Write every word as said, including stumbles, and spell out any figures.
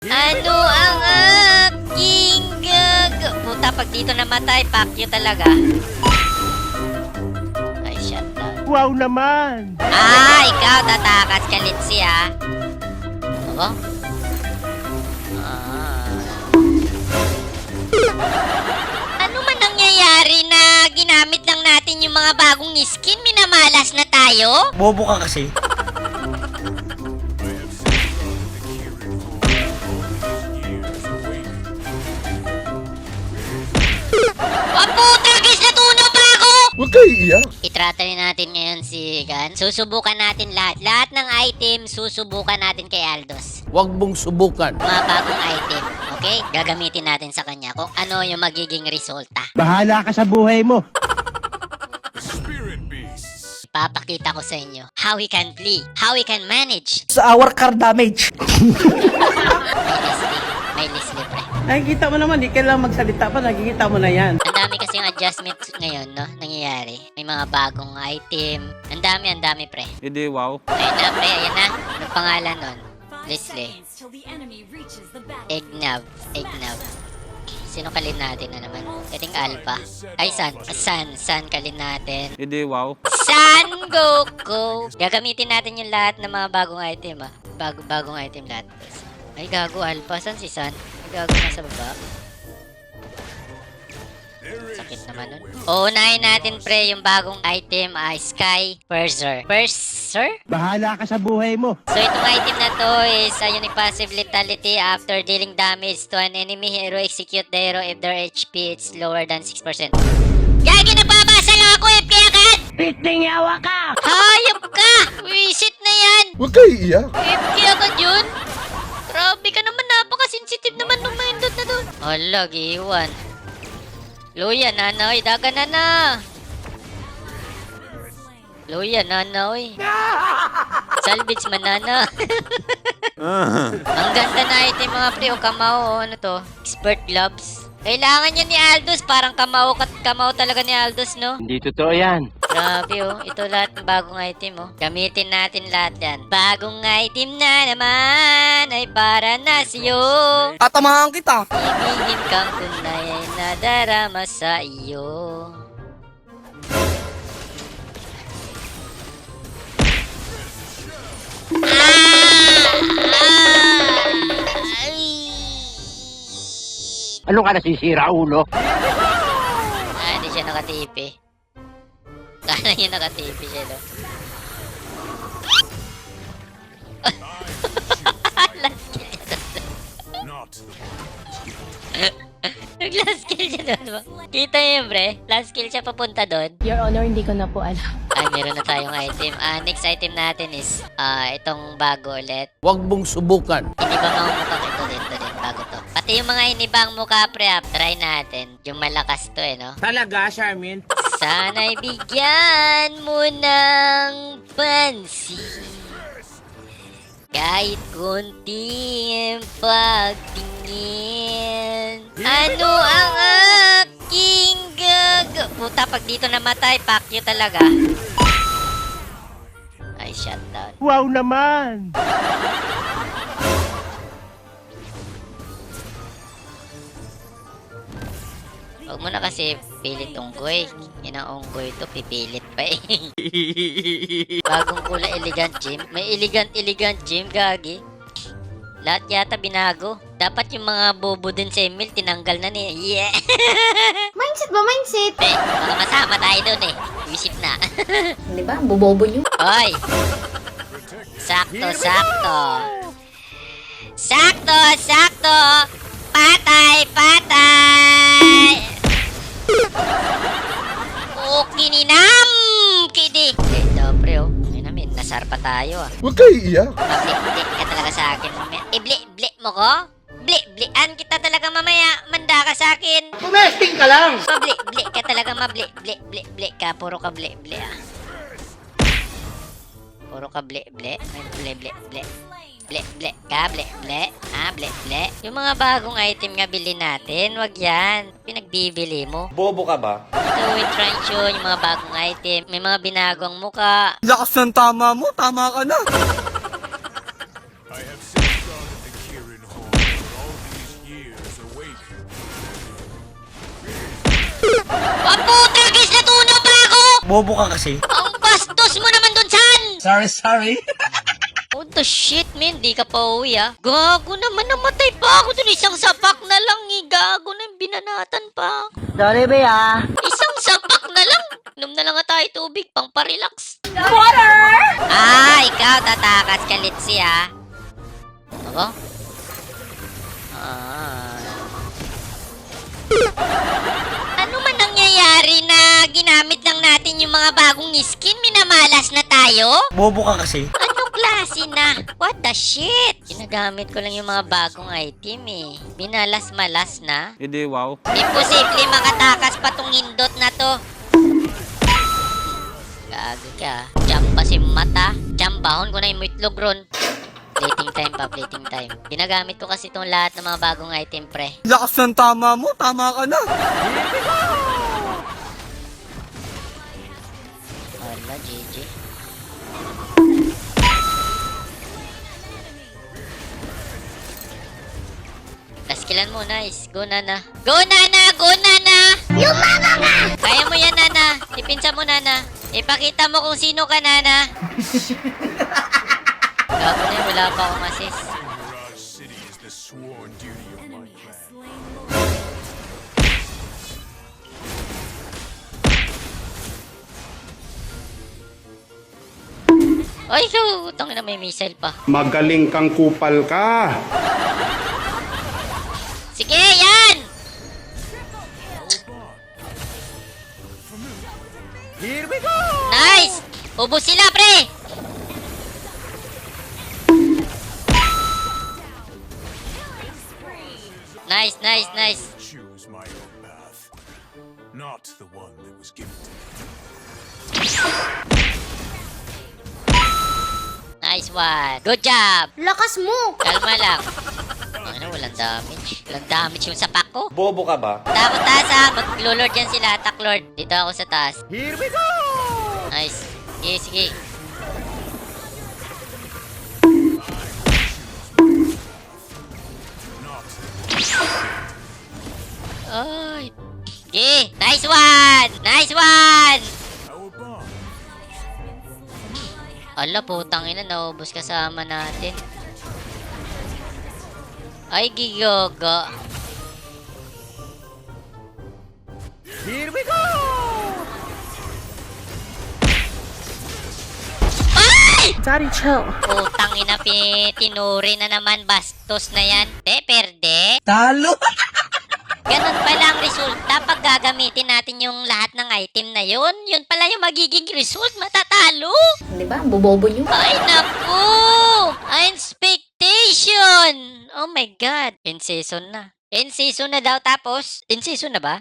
Ano ang aking gag... Puta, pag dito namatay, pakyo talaga. Ay, shut down. Wow naman! Ah, ikaw tatakas ka, Litsi, ha? Oo? Ah. Ano man nangyayari na ginamit lang natin yung mga bagong skin? Minamalas na tayo? Bobo ka kasi. Oh, puta, guys, natunaw pa ako! Huwag kayo iiyak. Itrata natin ngayon si Gan. Susubukan natin lahat. Lahat ng item, susubukan natin kay Aldos. Huwag mong subukan. Mga bagong item, okay? Gagamitin natin sa kanya kung ano yung magiging resulta. Bahala ka sa buhay mo. Papakita ko sa inyo how he can play, how he can manage. Sa our car damage. May Leslie, may Leslie, pre. Nakikita mo naman, di kailangan magsalita pa, nakikita mo na yan. Ang dami kasi yung adjustment ngayon, no? Nangyayari. May mga bagong item. Ang dami, ang dami, pre. Hindi, wow. Ayun na, pre. Ayan na. Anong pangalan nun? Leslie. Egnav. Egnav. Sino kalin natin na naman? Dating Alpha. Ay, San. San. San kalin natin. Hindi, wow. San Goku. Gagamitin natin yung lahat ng mga bagong item, ah. Bago, bagong item lahat. Ay, gago Alpha. San si San? Ay, gago nasa baba. Sakit naman nun. Uunahin natin, pre, yung bagong item, ah, Sky Purser. Purser? Bahala ka sa buhay mo. So, itong item na to is a unique passive lethality after dealing damage to an enemy hero. Execute the hero if their H P is lower than six percent. Gagi, nababasa lang ako, F K agad! Piting yawa ka! Hayop ka! Wisit na yan! Huwag kayo iiyak. F K agad yun? Grabe ka naman, napaka-sensitive naman nung mindot na doon. Hala, giwan. Luya, nanoy, daga na na. Luya, nanoy. Salvage manana. Ang ganda na item mga pre, o kamao, ano to? Expert gloves. Kailangan yan ni Aldos, parang kamao, kat kamao talaga ni Aldos, no? Hindi totoo yan. Grabe, oh. Ito lahat ng bagong item, oh. Gamitin natin lahat yan. Bagong item na naman ay para na sa'yo. Tatamahan kita. Ibigin kang tunay ay nadarama sa iyo. Ano ka nasisira, ulo? Ah, hindi siya nakatipi. Kala niya nakatipi siya, no? Last kill siya doon. Nag-last kill siya doon ba? Kita niyo yun, pre? Last kill siya papunta doon. Your Honor, hindi ko na po alam. Ay, meron na tayong item. Ah, next item natin is ah itong bago ulit. Huwag mong subukan. Inibang ang mukha ito dito din, bago to. Pati yung mga inibang mukha, pre, ah, try natin. Yung malakas to, eh, no? Talaga, Charmin? Sana'y bigyan mo ng pansin. Kahit konting pagtingin. Ano ang aking gag... Puta, pag dito namatay, pakyo talaga. Ay, shut down. Wow naman! Huwag mo na kasi pilit unggoy. Yan ang unggoy to, pipilit pa eh. Bagong kulay elegant gym. May elegant elegant gym, gagi. Lahat yata binago. Dapat yung mga bobo din sa Emil, tinanggal na ni... Yeah! Mindset ba? Mindset? Eh, baka masama tayo doon eh. Isip na. Di ba? Bobobo nyo. Hoy! Sakto, sakto. Sakto, sakto. Patay, patay. Okay ninam, kidi. Eh, dobre oh. Ngayon namin, nasar pa tayo ah. Huwag kayo iiyak. Mablik-blik ka talaga sa akin mamaya. Iblik-blik mo ko? Blik-blikan kita talaga mamaya. Manda ka sa akin. Tumesting ka lang! Mablik-blik ka talaga, mablik-blik-blik-blik ka. Puro ka blik-blik ah. Puro ka blik-blik. May blik-blik-blik. Blik-blik ka, blik-blik. Ah, blik-blik. Yung mga bagong item nga bilhin natin, wag yan. Pinagbibili mo. Bobo ka ba? Ito, with Rancho, yung mga bagong item. May mga binagong muka. Lakas ng tama mo, tama ka na. Bobo ka kasi. Ang bastos mo naman dun, San! Sorry, sorry. What the shit, man? Di ka pa uwi, ah. Gago naman, namatay pa ako dun. Isang sapak na lang, eh. Gago na yung binanatan pa. Sorry, be, ah. Isang sapak na lang. Inom na lang nga tayo tubig, pang parelax. Water! Ah, ikaw, tatakas ka, Litsi, ah. Ako? Ah. Ano man nangyayari na ginamit lang natin yung mga bagong skin? Minamalas na tayo? Bobo ka kasi. Ano klase na? What the shit? Ginagamit ko lang yung mga bagong item eh. Binalas-malas na? Hindi, wow. Imposible makatakas pa tong hindot na to. Gago ka. Jump pa si mata. Jump bahon ko na yung itlog ron. Plating time pa, plating time. Ginagamit ko kasi itong lahat ng mga bagong item, pre. Lakas ng tama mo, tama ka na. Wala, G G. Taskilan mo, nice. Go, Nana. Go, Nana! Go, Nana! Yung mama nga! Kaya mo yan, Nana. Ipinsa mo, Nana. Ipakita mo kung sino ka, Nana. Gago na yun, wala pa akong assist. Ay, so, utang na may missile pa. Magaling kang kupal ka. Sige, yan! Here we go! Nice! Ubus sila, pre! Nice, nice, nice. Choose my own path, not the one that was given to me. Nice one. Good job! Lakas mo! Kalma lang. Ano, walang damage. Walang damage yung sapak ko. Bobo ka ba? Tapos taas ha. Mag-lord yan sila. Attack lord. Dito ako sa taas. Here we go! Nice. Sige, sige. Ay. Sige. Nice one! Nice one! Our bond. Ala, putang ina. Naubos kasama natin. Ay, gigogo. Here we go! Ay! Daddy, chill. Putang ina, pi- tinuri na naman. Bastos na yan. De, perde. Talo! Ganun pala ang resulta pag gagamitin natin yung lahat ng item na yun. Yun pala yung magiging result. Matatalo. Di ba? Bobobo nyo. Ay, naku! Expectation! Oh my God. In season na. In season na daw tapos. In season na ba?